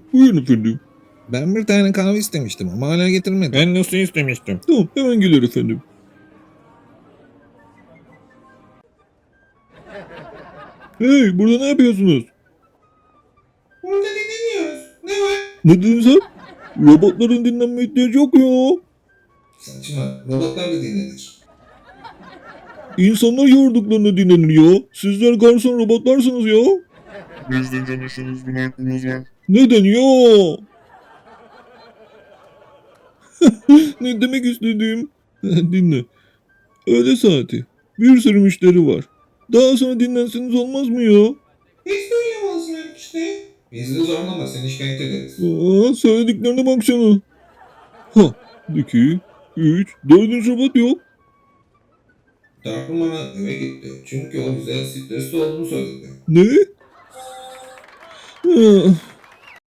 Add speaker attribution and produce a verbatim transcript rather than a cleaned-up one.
Speaker 1: Buyurun efendim.
Speaker 2: Ben bir tane kahve istemiştim ama hala getirmedi.
Speaker 3: Ben nasıl istemiştim?
Speaker 1: Tamam hemen gelir efendim. Hey burada ne yapıyorsunuz?
Speaker 2: Burada dinleniyoruz. Ne var?
Speaker 1: Ne dedin sen? Robotların dinlenme ihtiyacı yok ya.
Speaker 2: Saçma. Robotlar da dinlenir.
Speaker 1: İnsanlar yorduklarında dinlenir ya. Sizler garson robotlarsınız ya.
Speaker 3: Bizde çalışırız, buna aklımız var.
Speaker 1: Neden ya? Ne demek istediğim? Dinle. Öğle saati. Bir sürü müşteri var. Daha sonra dinlenseniz olmaz mı ya?
Speaker 2: Hiç de uyuyamazsın işte. Bizi de zorlama, seni şikayet ederiz.
Speaker 1: Aa, söylediklerine baksana. Ha, iki, üç, dördüncü robot yok.
Speaker 2: Dört numara eve gitti. Çünkü o bize stresli olduğunu söyledi.
Speaker 1: Ne? Ah,